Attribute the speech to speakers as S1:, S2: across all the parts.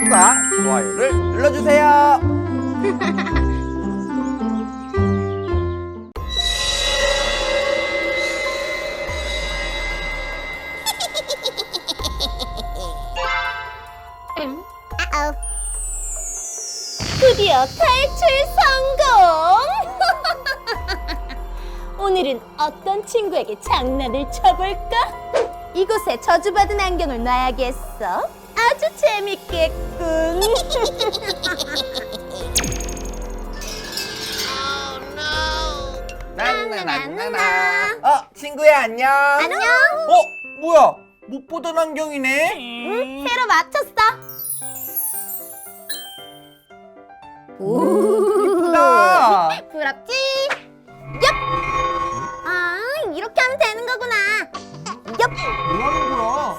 S1: 구독과 좋아요를 눌러주세요.
S2: 드디어 탈출 성공! 오늘은 어떤 친구에게 장난을 쳐볼까? 이곳에 저주받은 안경을 놔야겠어. 아주 재밌겠군.
S1: 나나나나나. 친구야 안녕.
S2: 안녕.
S1: 뭐야? 못 보던 안경이네.
S2: 응, 새로 맞췄어. 오,
S1: 이쁘다.
S2: 부럽지? 얍! 아, 이렇게 하면 되는 거구나. 얍!
S1: 뭐 하는 거야?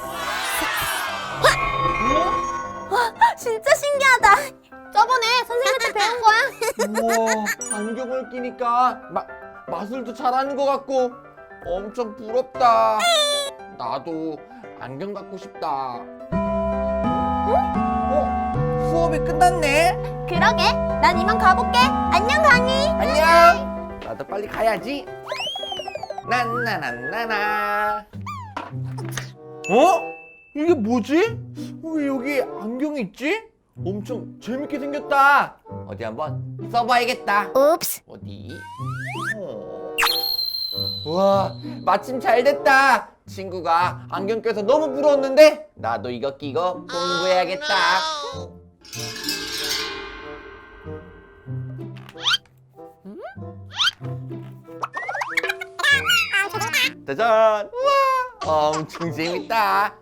S2: 진짜 신기하다. 저번에 선생님한테 배운 거야.
S1: 우와, 안경을 끼니까 마술도 잘하는 것 같고 엄청 부럽다. 나도 안경 갖고 싶다. 수업이 끝났네.
S2: 그러게, 난 이만 가볼게. 안녕, 강희.
S1: 안녕. 나도 빨리 가야지. 나나나나나. 이게 뭐지? 왜 여기 안경이 있지? 엄청 재밌게 생겼다. 어디 한번 써봐야겠다.
S2: 옵스.
S1: 어디? 와, 마침 잘 됐다. 친구가 안경 껴서 너무 부러웠는데 나도 이거 끼고 공부해야겠다. 짜잔! 우와, 엄청 재밌다.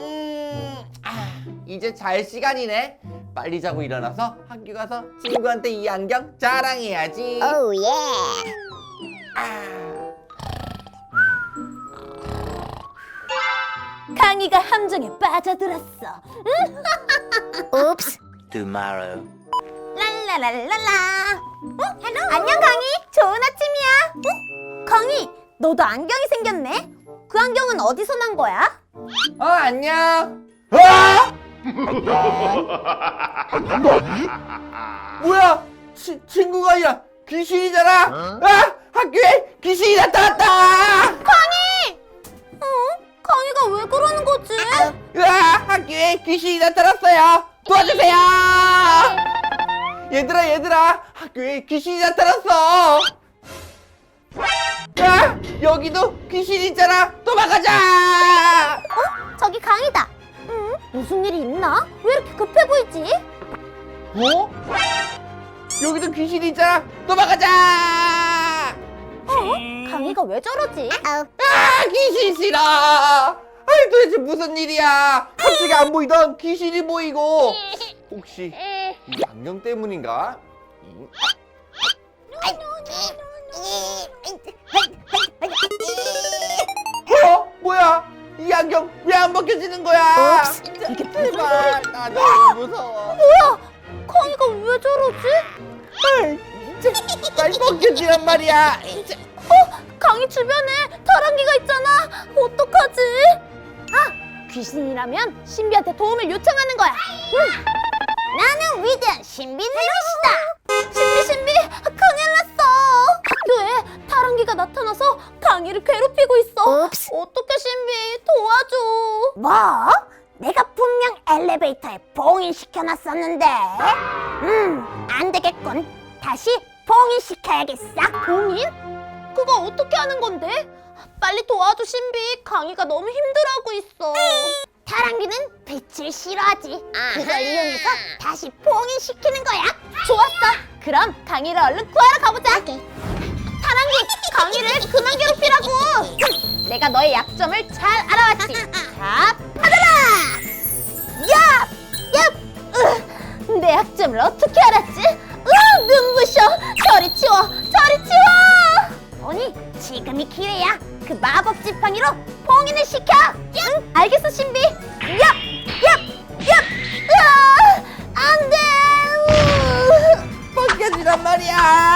S1: 이제 잘 시간이네. 빨리 자고 일어나서 학교 가서 친구한테 이 안경 자랑해야지.
S2: 오, 예. 강희가 함정에 빠져들었어. 옵스.
S3: Tomorrow.
S2: 랄라랄랄라. 안녕, 강희. 좋은 아침이야. 강희, 너도 안경이 생겼네. 그 안경은 어디서 난 거야?
S1: 안녕. 뭐야? 친구가 아니라 귀신이잖아. 학교에 귀신이 나타났다.
S2: 강희! 강희가 왜 그러는 거지?
S1: 학교에 귀신이 나타났어요. 도와주세요. 얘들아, 학교에 귀신이 나타났어. 여기도 귀신 있잖아. 도망가자.
S2: 저기 강희다. 무슨 일이 있나? 왜 이렇게 급해 보이지?
S1: 여기도 귀신이 있잖아. 도망가자.
S2: 강희가 왜 저러지?
S1: 귀신 싫어. 아이, 도대체 무슨 일이야? 갑자기 안 보이던 귀신이 보이고. 혹시 이 안경 때문인가? 뭐야? 이 안경 왜 안 벗겨지는 거야?
S2: 이게
S1: 제발, 나 너무 무서워.
S2: 뭐야? 강희가 왜 저러지?
S1: 빨리 벗겨지란 말이야.
S2: 강희 주변에 다랑기가 있잖아. 어떡하지? 귀신이라면 신비한테 도움을 요청하는 거야. 나는 위대한 신비 누리시다. 신비, 큰일 났어. 학교에 다랑기가 나타나서 강희를 괴롭히고 있어. 어떡해, 신비, 도와줘. 뭐? 내가 분명 엘리베이터에 봉인시켜놨었는데. 안 되겠군. 다시 봉인시켜야겠어. 봉인? 그거 어떻게 하는 건데? 빨리 도와줘, 신비. 강희가 너무 힘들어하고 있어. 다랑기는 빛을 싫어하지. 그걸 이용해서 다시 봉인시키는 거야. 좋았어. 그럼 강희를 얼른 구하러 가보자. 다랑기, 강희를 그만 괴롭히라고. 내가 너의 약점을 잘 알아왔지. 자, 받아라. 야! 내 약점을 어떻게 알았지? 눈부셔. 저리 치워. 아니, 지금이 기회야. 그 마법 지팡이로 봉인을 시켜. 응, 알겠어, 신비. 안 돼.
S1: 벗겨지란 말이야.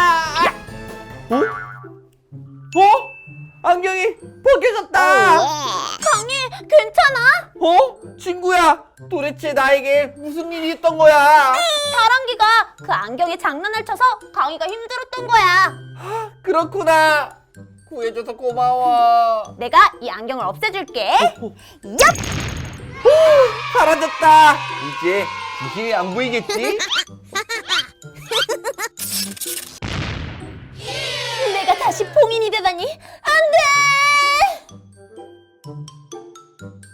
S1: 안경이 벗겨졌다.
S2: 강희, 괜찮아?
S1: 친구야, 도대체 나 나에게 무슨 일이 있던 거야?
S2: 다랑기가 그 안경에 장난을 쳐서 강이가 힘들었던 거야.
S1: 그렇구나. 구해줘서 고마워.
S2: 내가 이 안경을 없애줄게. 얍!
S1: 사라졌다. 이제 귀신이 안 보이겠지?
S2: 내가 다시 봉인이 되다니 안 돼!